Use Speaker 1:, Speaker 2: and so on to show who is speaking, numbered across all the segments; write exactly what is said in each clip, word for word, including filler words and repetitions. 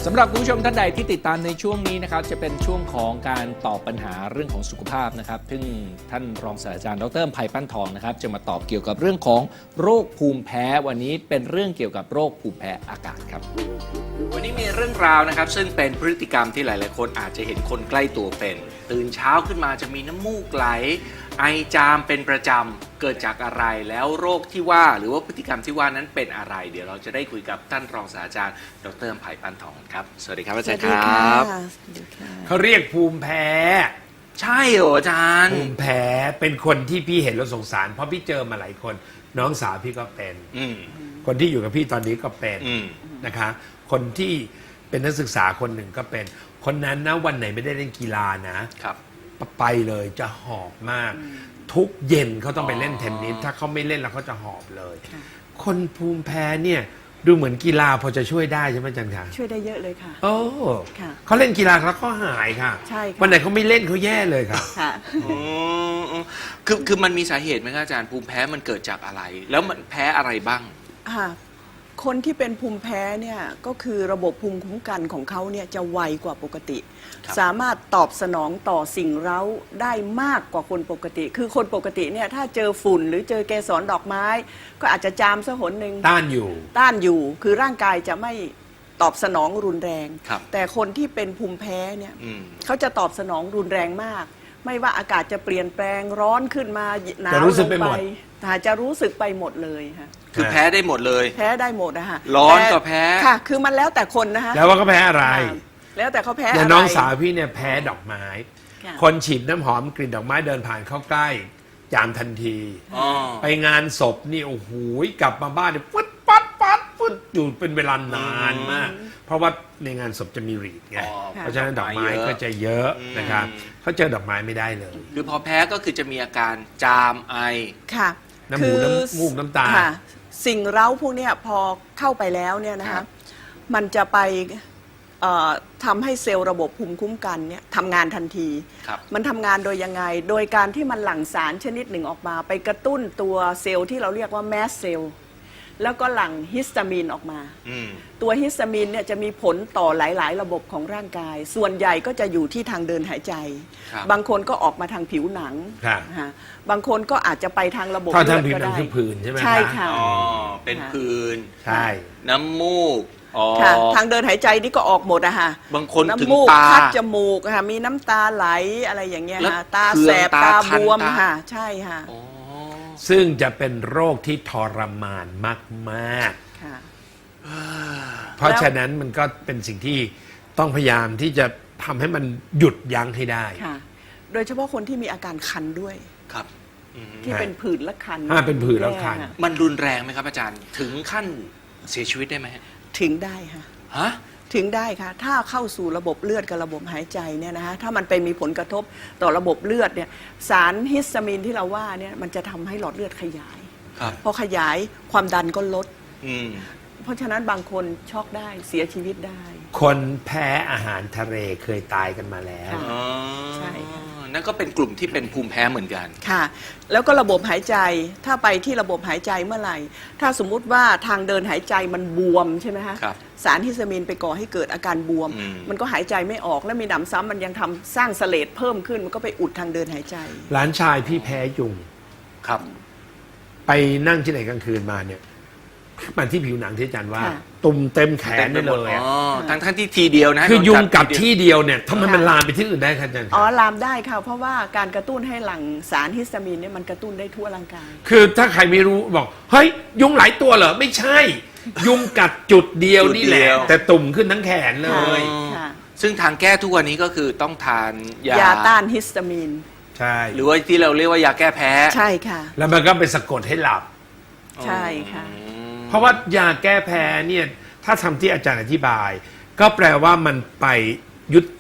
Speaker 1: สำหรับคุณผู้ชมท่านใดที่ติดตามในช่วงนี้นะครับจะเป็นช่วงของการตอบปัญหาเรื่องของสุขภาพนะครับซึ่งท่านรองศาสตราจารย์ดร.ไพปั้นทองนะครับจะมาตอบเกี่ยวกับเรื่องของโรคภูมิแพ้วันนี้เป็นเรื่องเกี่ยวกับโรคภูมิแพ้อากาศครับวันนี้มีเรื่องราวนะครับซึ่งเป็นพฤติกรรมที่หลายๆคนอาจจะเห็นคนใกล้ตัวเป็นตื่นเช้าขึ้นมาจะมีน้ำมูกไหลไอจามเป็นประจำเกิดจากอะไรแล้วโรคที่ว่าหรือว่าพฤติกรรมที่ว่านั้นเป็นอะไรเดี๋ยวเราจะได้คุยกับท่านรองศาสตราจารย์ดร.ไพปั้นทองครับสวัสดีครับอาจารย์ครับ
Speaker 2: เขาเรียกภูมิแพ้
Speaker 1: ใช่เหรออาจารย์
Speaker 2: ภูมิแพ้เป็นคนที่พี่เห็นแล้วสงสารเพราะพี่เจอมาหลายคนน้องสาวพี่ก็เป็นคนที่อยู่กับพี่ตอนนี้ก็เป็นนะคะคนที่เป็นนักศึกษาคนหนึ่งก็เป็นคนนั้นนะวันไหนไม่ได้เล่นกีฬานะครับไปเลยจะหอบมากทุกเย็นเขาต้องไปเล่นเทนนิสถ้าเขาไม่เล่นแล้วเขาจะหอบเลยคนภูมิแพ้เนี่ยดูเหมือนกีฬาพอจะช่วยได้ใช่ไหมจันคะ
Speaker 3: ช่วยได้เยอะเลยค่ะ
Speaker 2: โอ้เขาเล่นกีฬาแล้วเขาหายค่ะ
Speaker 3: ใช่ค่ะ
Speaker 2: วันไหนเขาไม่เล่นเขาแย่เลยค่ะ
Speaker 3: ค่ะ
Speaker 1: คือคือมันมีสาเหตุไหมครับอาจารย์ภูมิแพ้มันเกิดจากอะไรแล้วมันแพ้อะไรบ้าง
Speaker 3: ค่ะคนที่เป็นภูมิแพ้เนี่ยก็คือระบบภูมิคุ้มกันของเขาเนี่ยจะไวกว่าปกติสามารถตอบสนองต่อสิ่งเร้าได้มากกว่าคนปกติคือคนปกติเนี่ยถ้าเจอฝุ่นหรือเจอเกสรดอกไม้ก็อาจจะจามซะหนหนึ่ง
Speaker 2: ต้านอยู่
Speaker 3: ต้านอยู่คือร่างกายจะไม่ตอบสนองรุนแรงแต่คนที่เป็นภูมิแพ้เนี่ยเขาจะตอบสนองรุนแรงมากไม่ว่าอากาศจะเปลี่ยนแปลงร้อนขึ้นมาหนาวลงไปแต่จะรู้สึกไปหมดเลยค่ะ
Speaker 1: คือแพ้ได้หมดเลย
Speaker 3: แพ้ได้หมดนะคะ
Speaker 1: ร้อนก็แพ้
Speaker 3: ค่ะคือมันแล้วแต่คนนะคะ
Speaker 2: แล้วว่าก็แพ้อะไร
Speaker 3: แล้วแต่เขาแพ้
Speaker 2: อะไรอย่างน้องสาวพี่เนี่ยแพ้ดอกไม้คนฉีดน้ำหอมกลิ่นดอกไม้เดินผ่านเข้าใกล้จามทันทีไปงานศพนี่โอ้โหกลับมาบ้านเนี่ยฟึดปัดปัดฟึดอยู่เป็นเวลานานมากเพราะว่าในงานศพจะมีรีดไงเพราะฉะนั้นดอกไม้ก็จะเยอะนะครับเขาเจอดอกไม้ไม่ได้เลย
Speaker 1: คือพอแพ้ก็คือจะมีอาการจามไอ
Speaker 3: ค่ะ
Speaker 2: น้ำมูกน้ำมูกน้ำตา
Speaker 3: สิ่งเร้าพวกนี้พอเข้าไปแล้วเนี่ยนะคะมันจะไปทำให้เซลล์ระบบภูมิคุ้มกันเนี่ยทำงานทันทีมันทำงานโดยยังไงโดยการที่มันหลั่งสารชนิดหนึ่งออกมาไปกระตุ้นตัวเซลล์ที่เราเรียกว่าแมสเซลล์แล้วก็หลั่งฮิสตามีนออกมาตัวฮิสตามีนเนี่ยจะมีผลต่อหลายๆระบบของร่างกายส่วนใหญ่ก็จะอยู่ที่ทางเดินหายใจบางคนก็ออกมาทางผิวหนังบางคนก็อาจจะไปทางระบบ
Speaker 2: เลือดก็ได้คือผื่นใช่ไหม
Speaker 3: ใช่ค่ะ
Speaker 1: อ๋อเป็นผื่น
Speaker 2: ใช่
Speaker 1: น้ำมูก
Speaker 3: ค่ะทางเดินหายใจนี่ก็ออกหมดอะค่ะ
Speaker 1: บางคนถึง
Speaker 3: ตาคัดจมูกค่ะมีน้ำตาไหลอะไรอย่างเงี้ยค่ะตาแสบตาบวมค่ะใช่ค่ะ
Speaker 2: ซึ่งจะเป็นโรคที่ทรมานมากๆเพราะฉะนั้นมันก็เป็นสิ่งที่ต้องพยายามที่จะทำให้มันหยุดยั้งให้ได้
Speaker 3: ค่ะโดยเฉพาะคนที่มีอาการคันด้วย
Speaker 1: ครับ
Speaker 3: ที่เป็นผื่นและคัน
Speaker 2: เป็นผื่นและคัน
Speaker 1: มันรุนแรงไหมครับอาจารย์ถึงขั้นเสียชีวิตได้ไหม
Speaker 3: ถึงได้ค่ะ
Speaker 1: ฮะ
Speaker 3: ถึงได้ค่ะถ้าเข้าสู่ระบบเลือดกับระบบหายใจเนี่ยนะคะถ้ามันไปมีผลกระทบต่อระบบเลือดเนี่ยสารฮิสตามีนที่เราว่าเนี่ยมันจะทำให้หลอดเลือดขยายพอขยายความดันก็ลดเพราะฉะนั้นบางคนช็อกได้เสียชีวิตได้
Speaker 2: คนแพ้อาหารทะเลเคยตายกันมาแล้ว
Speaker 3: ใช่
Speaker 1: นั่นก็เป็นกลุ่มที่เป็นภูมิแพ้เหมือนกัน
Speaker 3: ค่ะแล้วก็ระบบหายใจถ้าไปที่ระบบหายใจเมื่อไหร่ถ้าสมมุติว่าทางเดินหายใจมันบวมใช่ไหมคะสารฮิสตามีนไปก่อให้เกิดอาการบวมมันก็หายใจไม่ออกแล้วมีหนำซ้ำมันยังทำสร้างเสลดเพิ่มขึ้นมันก็ไปอุดทางเดินหายใจ
Speaker 2: หลานชายพี่แพ้ยุง
Speaker 1: ครับ
Speaker 2: ไปนั่งที่ไหนกลางคืนมาเนี่ยมันที่ผิวหนังที่อาจารย์ว่าตุ่มเต็มแขนได้เลย
Speaker 1: อ๋อทั้งทั้งที่ทีเดียวนะ
Speaker 2: คือยุงกัดที่เดียวเนี่ยทำไมมันลามไปที่อื่นได้ครับอาจารย์
Speaker 3: อ๋อลามได้ค่ะเพราะว่าการกระตุ้นให้หลั่งสารฮิสตามีนเนี่ยมันกระตุ้นได้ทั่วร่างกาย
Speaker 2: คือถ้าใครไม่รู้บอกเฮ้ยยุงหลายตัวเหรอไม่ใช่ยุงกัดจุดเดียวนี่แหละแต่ตุ่มขึ้นทั้งแขนเลย
Speaker 1: ซึ่งทางแก้ทุกวันนี้ก็คือต้องทาน
Speaker 3: ยายาต้านฮิสตามีน
Speaker 2: ใช่
Speaker 1: หรือว่าที่เราเรียกว่ายาแก้แพ้
Speaker 3: ใช่ค่ะ
Speaker 2: แล้วมันก็ไปสะกดให้หลับ
Speaker 3: ใช่ค่ะ
Speaker 2: เพราะว่ายาแก้แพ้เนี่ยถ้าทำที่อาจารย์อธิบายก็แปลว่ามันไปยุ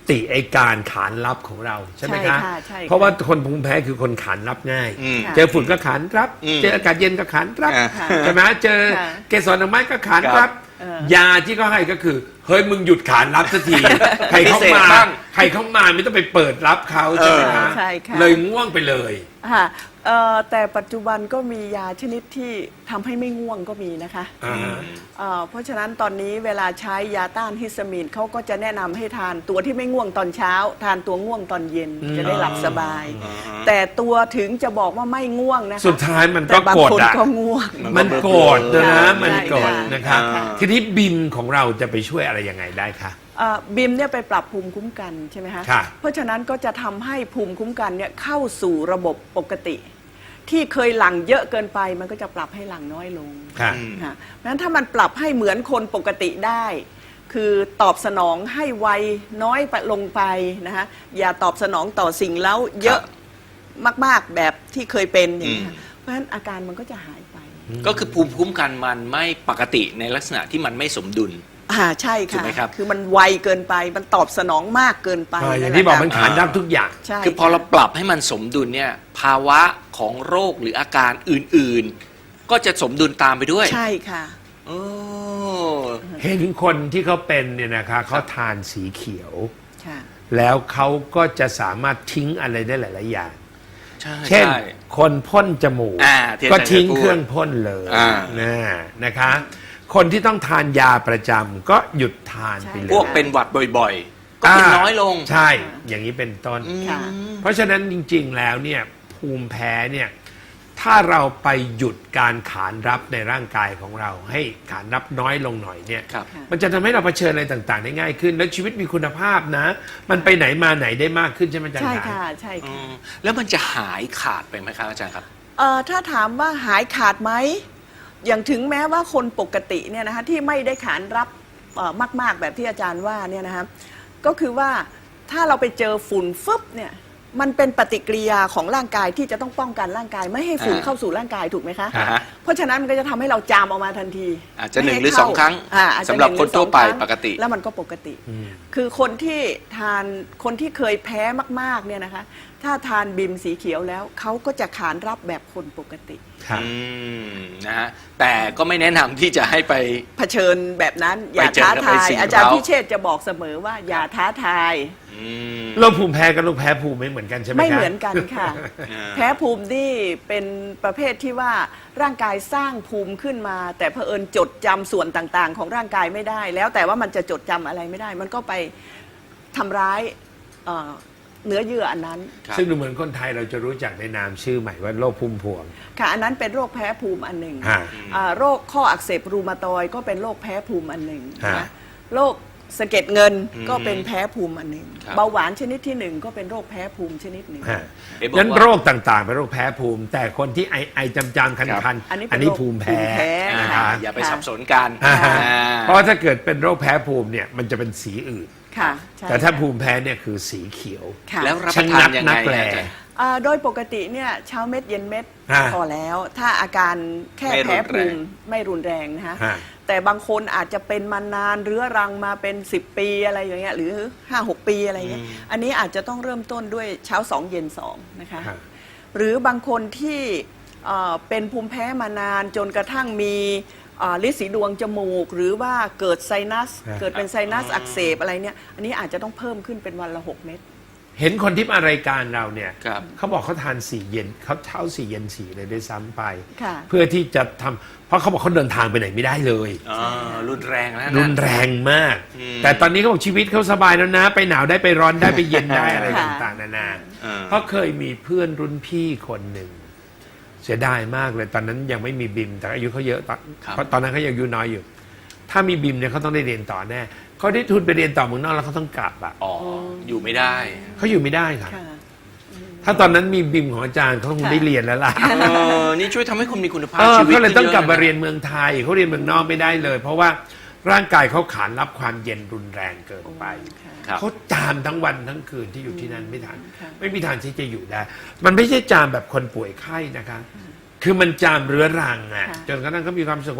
Speaker 2: ติไอการขานรับของเราใช่ไหม
Speaker 3: ใช่
Speaker 2: คะ
Speaker 3: ค่ะใช่ค่ะ
Speaker 2: เพราะว่าคนภูมิแพ้คือคนขานรับง่าย
Speaker 1: อืม
Speaker 2: เจอฝุ่นก็ขานรับ
Speaker 1: อืม
Speaker 2: เจออากาศเย็นก็ขานรับ
Speaker 1: อ่า
Speaker 3: ค่ะ
Speaker 2: ใช่ไหมเจอ
Speaker 3: ค่ะ
Speaker 2: เกสรดอกไม้ก็ขาน
Speaker 1: ครั
Speaker 2: รับ
Speaker 1: บ
Speaker 3: เออ
Speaker 2: ยาที่เขาให้ก็คือเฮ้ยมึงหยุดขานรับสักที ใครเข้า
Speaker 1: พิเศษ
Speaker 2: มา
Speaker 1: บ้าง
Speaker 2: ใครเข้ามาไม่ต้องไปเปิดรับเขาใช่ไหมคะ
Speaker 3: ใช่ค่ะ
Speaker 2: เลยง่วงไปเลย
Speaker 3: ค่ะเอ่อแต่ปัจจุบันก็มียาชนิดที่ทำให้ไม่ง่วงก็มีนะคะ
Speaker 2: อ่าฮะ
Speaker 3: เอ่อเพราะฉะนั้นตอนนี้เวลาใช้ยาต้านฮิสตามีนเขาก็จะแนะนำให้ทานตัวที่ไม่ง่วงตอนเช้า ทานตัวง่วงตอนเย็นจะได้หลับสบาย แต่ตัวถึงจะบอกว่าไม่ง่วงนะคะ
Speaker 2: สุดท้ายมันก็
Speaker 3: แต่บาง
Speaker 2: โกรธ
Speaker 3: คน
Speaker 2: อะ
Speaker 3: ก็ง่วง
Speaker 2: มันโกรธนะนะ
Speaker 3: ใช่
Speaker 2: มันโกรธ
Speaker 3: ใช่
Speaker 2: นะครับ
Speaker 1: อ่า
Speaker 2: ทีนี้บิมของเราจะไปช่วยอะไรยังไงได้คะ
Speaker 3: เอ่อบิมเนี่ยไปปรับภูมิคุ้มกันใช่ไหมคะ
Speaker 2: ค่ะ
Speaker 3: เพราะฉะนั้นก็จะทำให้ภูมิคุ้มกันเนี่ยเข้าสู่ระบบปกติ ที่เคยหลั่งเยอะเกินไปมันก็จะปรับให้หลั่งน้อยลง
Speaker 2: ค่ะ
Speaker 3: ค่ะเพราะฉะนั้นถ้ามันปรับให้เหมือนคนปกติได้ คือตอบสนองให้ไวน้อยไปลงไปนะคะอย่าตอบสนองต่อสิ่งแล้วเยอะมากๆแบบที่เคยเป็นอย่างนี้ยค่ะเพราะฉะนั้นอาการมันก็จะหายไป
Speaker 1: ก็คือภูมิคุ้มกันมันไม่ปกติในลักษณะที่มันไม่สมดุล
Speaker 3: อ่าใช่
Speaker 1: ถูก
Speaker 3: ค่ะ
Speaker 1: ไหมครับ
Speaker 3: คือมันไวเกินไปมันตอบสนองมากเกินไป
Speaker 2: อ่าอย่าง
Speaker 3: แหละ
Speaker 2: ที่บอก
Speaker 3: ค่ะ
Speaker 2: มันขานรับทุกอย่าง
Speaker 3: ใช่
Speaker 1: คือพอเราปรับให้มันสมดุลเนี่ยภาวะของโรคหรืออาการอื่นๆ ก็จะสมดุลตามไปด้วย
Speaker 3: ใช่ค่ะ
Speaker 1: โอ้
Speaker 2: เห็นคนที่เขาเป็นเนี่ยนะคะเขาทานสีเขียว
Speaker 3: ค่ะ
Speaker 2: แล้วเขาก็จะสามารถทิ้งอะไรได้หลาย ๆ อย่าง
Speaker 1: ใช่
Speaker 2: เช่น
Speaker 1: ใช่
Speaker 2: คนพ่นจมูก
Speaker 1: อ่าที่
Speaker 2: ก็
Speaker 1: อาจารย์
Speaker 2: ทิ้ง
Speaker 1: พูด
Speaker 2: เครื่องพ่นเลย
Speaker 1: อ่า
Speaker 2: นะนะคะ คนที่ต้องทานยาประจำก็หยุดทานไปเล
Speaker 1: พ
Speaker 2: ยว
Speaker 1: กเป็นหวัดบ่อยๆ ก็กินน้อยลง
Speaker 2: ใช่ อย่างนี้เป็นต้น
Speaker 3: ค่ะ
Speaker 2: เพราะฉะนั้นจริง ๆ แล้วเนี่ยภูมิแพ้เนี่ยถ้าเราไปหยุดการขานรับในร่างกายของเรา ให้ขานรับน้อยลงหน่อยเนี่ย
Speaker 1: ครับ
Speaker 2: มันจะทำให้เราเผชิญอะไรต่างๆ ได้ง่ายขึ้น แล้วชีวิตมีคุณภาพนะ มันไปไหนมาไหนได้มากขึ้นใช่ไหมอาจารย์
Speaker 3: ใช่
Speaker 2: ขา
Speaker 3: ค่ะใช่
Speaker 1: อื
Speaker 3: ค่ะ
Speaker 1: มแล้วมันจะหายขาดไปไหมครับอาจารย์ครับ
Speaker 3: เอ่อถ้าถามว่าหายขาดไหมอย่างถึงแม้ว่าคนปกติเนี่ยนะคะที่ไม่ได้ขานรับเอ่อมากๆแบบที่อาจารย์ว่าเนี่ยนะคะก็คือว่าถ้าเราไปเจอฝุ่นฟึบเนี่ยมันเป็นปฏิกิริยาของร่างกายที่จะต้องป้องกันร่างกาย ไม่ให้ฝุ่น
Speaker 1: อ่า
Speaker 3: เข้าสู่ร่างกายถูกไหมคะ
Speaker 1: อ่าฮะ
Speaker 3: เพราะฉะนั้นมันก็จะทำให้เราจามออกมาทันที
Speaker 1: อาจจะหนึ่ง
Speaker 3: ไม่
Speaker 1: หรือ
Speaker 3: เข้า
Speaker 1: สองครั้ง
Speaker 3: อ่าอาจจะ
Speaker 1: สำหรับ
Speaker 3: นึ่ง
Speaker 1: คน
Speaker 3: รือ
Speaker 1: ทั่วไป
Speaker 3: สองครั้ง
Speaker 1: ปกติ
Speaker 3: แล้วมันก็ปกติ
Speaker 2: อืม
Speaker 3: คือคนที่ทานคนที่เคยแพ้มากๆเนี่ยนะคะถ้าทานบิมสีเขียวแล้วเขาก็จะขานรับแบบคนปกติ
Speaker 2: ค่ะ
Speaker 1: อืมนะฮะแต่ก็ไม่แนะนำที่จะให้ไป
Speaker 3: เผชิญแบบนั้นอย่า
Speaker 1: ไปเจอ
Speaker 3: ท้า
Speaker 1: กับ
Speaker 3: ทา
Speaker 1: ไอ้
Speaker 3: ย
Speaker 1: สิ่ง
Speaker 3: อาจารย์
Speaker 1: เร้า
Speaker 3: พิเชษจะบอกเสมอว่าอย่าท้าทาย
Speaker 1: อืม
Speaker 2: โรคภูมิแพ้กับโรคแพ้ภูมิไม่เหมือนกันใช่ไหมคะ
Speaker 3: ไม่เหมือนกันค่ะ
Speaker 1: อ่า
Speaker 3: แพ้ภูมินี่เป็นประเภทที่ว่าร่างกายสร้างภูมิขึ้นมา แต่เผอิญจดจำส่วนต่างๆ ของร่างกายไม่ได้ แล้วแต่ว่ามันจะจดจำอะไรไม่ได้ มันก็ไปทำร้ายเอ่อเนื้อเยื่ออันนั้น
Speaker 1: ครับ
Speaker 2: ซึ่งดูเหมือนคนไทยเราจะรู้จักในนามชื่อใหม่ว่าโรคพุ่มพวง
Speaker 3: ค่ะอันนั้นเป็นโรคแพ้ภูมิอันหนึ่ง
Speaker 2: ฮะ
Speaker 3: อ่าโรคข้ออักเสบรูมาตอยด์ก็เป็นโรคแพ้ภูมิอันหนึ่ง
Speaker 2: ฮะ
Speaker 3: นะโรคสะเก็ดเงิน
Speaker 1: อืม
Speaker 3: ก็เป็นแพ้ภูมิอันหนึ่ง
Speaker 1: ครับ
Speaker 3: เบาหวานชนิดที่หนึ่งก็เป็นโรคแพ้ภูมิชนิดหนึ่ง
Speaker 2: ฮะ
Speaker 1: เอ๊ะบอก
Speaker 2: นั้น
Speaker 1: ว่า
Speaker 2: โรคต่างๆเป็นโรคแพ้ภูมิ แต่คนที่ไอไอจำจำคัน
Speaker 1: ครั
Speaker 2: คัน
Speaker 1: บ
Speaker 3: อันนี้เป็น
Speaker 2: อันนี้
Speaker 3: โรค
Speaker 2: ภูมิแพ้
Speaker 3: ภูมิแพ้
Speaker 1: อ่า
Speaker 2: นะคะ
Speaker 1: อย่าไป
Speaker 3: ค่ะ
Speaker 1: สับสนกัน
Speaker 2: อ่า
Speaker 1: อ่า
Speaker 2: เพราะว่าถ้าเกิดเป็นโรคแพ้ภูมิเนี่ยมันจะเป็นสีอื่น
Speaker 3: ค่ะใช่
Speaker 2: แต่ถ้า
Speaker 3: ค่ะ
Speaker 2: ภูมิแพ้เนี่ยคือสีเขียว
Speaker 3: ค่ะ
Speaker 1: แล้วรับประทานยังไง
Speaker 2: ชะงักนักแล
Speaker 1: อาจารย์
Speaker 3: อ่าโดยปกติเนี่ยเช้าเม็ดเย็นเม็ด
Speaker 2: ฮะ
Speaker 3: พอแล้ว ถ้าอาการแค่
Speaker 1: ไม่รุน
Speaker 3: แพ้
Speaker 1: แรง
Speaker 3: ภูมิไม่รุนแรงนะคะ
Speaker 2: ฮะ
Speaker 3: แต่บางคนอาจจะเป็นมานานเรื้อรังมาเป็นสิบปีอะไรอย่างเงี้ยหรือ ห้าหก ปีอะไรเงี้ยอันนี้อาจจะต้องเริ่มต้นด้วยเช้าสองเย็นสองนะคะ
Speaker 2: ฮะ
Speaker 3: หรือบางคนที่เอ่อเป็นภูมิแพ้มานานจนกระทั่งมีเอ่อฤทธิ์สีดวงจมูก หรือว่าเกิดไซนัส
Speaker 2: ฮะ
Speaker 3: เกิดเป็นไซนัสอักเสบอะไรเนี่ยอันนี้อาจจะต้องเพิ่มขึ้นเป็นวันละหกเม็ด
Speaker 2: เห็นคนที่มารายการเราเนี่ย
Speaker 1: ครับ
Speaker 2: เขาบอกเขาทานสี่เย็นเขาเช้าสี่เย็นสี่เลยด้วยซ้ำไป
Speaker 3: ค่ะ
Speaker 2: เพื่อที่จะทำเพราะเขาบอกเขาเดินทางไปไหนไม่ได้เลย
Speaker 1: อ่ารุนแรงแล้วนะ
Speaker 2: รุนแรงมาก
Speaker 1: อืม
Speaker 2: แต่ตอนนี้เขาบอกชีวิตเขาสบายแล้วนะ ไปหนาวได้ไปร้อนได้ไปเย็นได้อะไร
Speaker 3: ค่ะ
Speaker 2: ต่างๆนานา
Speaker 1: อ่า
Speaker 2: เพราะเคยมีเพื่อนรุ่นพี่คนหนึ่ง เสียดายมากเลยตอนนั้นยังไม่มีบิมแต่อายุเขาเยอะตอน
Speaker 1: ครับ
Speaker 2: เพราะตอนนั้นเขายังอายุน้อยอยู่ ถ้ามีบิมเนี่ยเขาต้องได้เรียนต่อแน่เขาได้ทุนไปเรียนต่อเมืองนอกแล้วเขาต้องกลับอ่ะ
Speaker 1: อ๋ออยู่ไม่ได้
Speaker 2: เขาอยู่ไม่ได้ค่ะ
Speaker 3: ค่ะ
Speaker 2: ถ้าตอนนั้นมีบิมของอาจารย์เขาคงได้เรียนแล้วล่ะ
Speaker 1: เออนี่ช่วยทำให้คุณมีคุณภาพ
Speaker 2: เออ
Speaker 1: ชีวิต
Speaker 2: ก็เลยต้องกลับมา
Speaker 1: ขึ้
Speaker 2: เรียนเมืองไทยเขาเรียนเมืองนอกไม่ได้เลย เพราะว่าร่างกายเขาขานรับความเย็นรุนแรงเกินไป
Speaker 1: ครับ
Speaker 2: เขาจามทั้งวันทั้งคืนที่อยู่ที่นั่นไม่ทัน
Speaker 3: ค่ะ
Speaker 2: ไม่มีทางที่จะอยู่ได้ มันไม่ใช่จามแบบคนป่วยไข้นะคะ คือมันจามเรื้อรังอ่ะ
Speaker 3: ค่ะ
Speaker 2: จนกระทั่งเขามีความรู้สึกว่า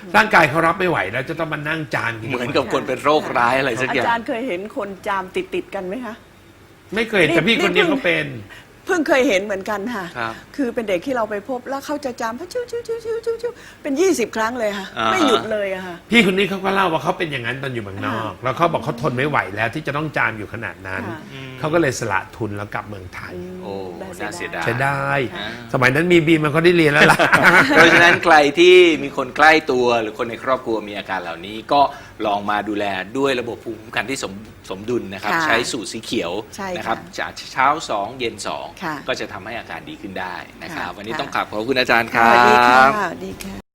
Speaker 2: ร่างกายเขารับไม่ไหวแล้วจะต้องมานั่งจามกิน
Speaker 1: เหมือนกับคนเป็นโรคร้ายอะไรสัก
Speaker 3: อา
Speaker 1: อย่าง
Speaker 3: จารย์เคยเห็นคนจามติดติดๆกันไหมคะ
Speaker 2: ไม่เคยแต่พี่คนนี้เขาเป็น
Speaker 3: เพิ่งเคยเห็นเหมือนกันค่ะ
Speaker 1: ครับ
Speaker 3: คือเป็นเด็กที่เราไปพบแล้วเขาจะจามชิวชิวชิวชิวชิวชิวเป็นยี่สิบครั้งเลยค่ะ
Speaker 1: อ่า
Speaker 3: ไม่หยุดเลยอะค่ะ
Speaker 2: พี่คนนี้เขาก็เล่าว่าเขาเป็นอย่างนั้นตอนอยู่เมืองนอก แล้วเขาบอกเขาทนไม่ไหวแล้วที่จะต้องจามอยู่ขนาดนั้น
Speaker 3: ค่ะ
Speaker 2: เขาก็เลยสละทุนแล้วกลับเมืองไทย
Speaker 1: โอ้น่าเสียดาย
Speaker 2: ใช้ได้
Speaker 1: อ่า
Speaker 2: สมัยนั้นมีบีมันก็ได้เรียนแล้วล่ะ
Speaker 1: เพราะฉะนั้นใครที่มีคนใกล้ตัวหรือคนในครอบครัวมีอาการเหล่านี้ก็ลองมาดูแลด้วยระบบภูมิคุ้มกันที่สมสมดุลนะครับ
Speaker 3: ค่ะ
Speaker 1: ใช้สูตรสีเขียว
Speaker 3: ใช่ค่ะ
Speaker 1: นะครับจากเช้าสองเย็นสอง
Speaker 3: ค่ะ
Speaker 1: ก็จะทำให้อาการดีขึ้นได้นะครับ
Speaker 3: ค่ะ
Speaker 1: วันนี้
Speaker 3: ค่ะ
Speaker 1: ต้องขอบขอบคุณอาจารย์ค
Speaker 3: ส
Speaker 1: รั
Speaker 3: วัสดีค่ะ
Speaker 1: บ
Speaker 3: สวัสดีค่ะ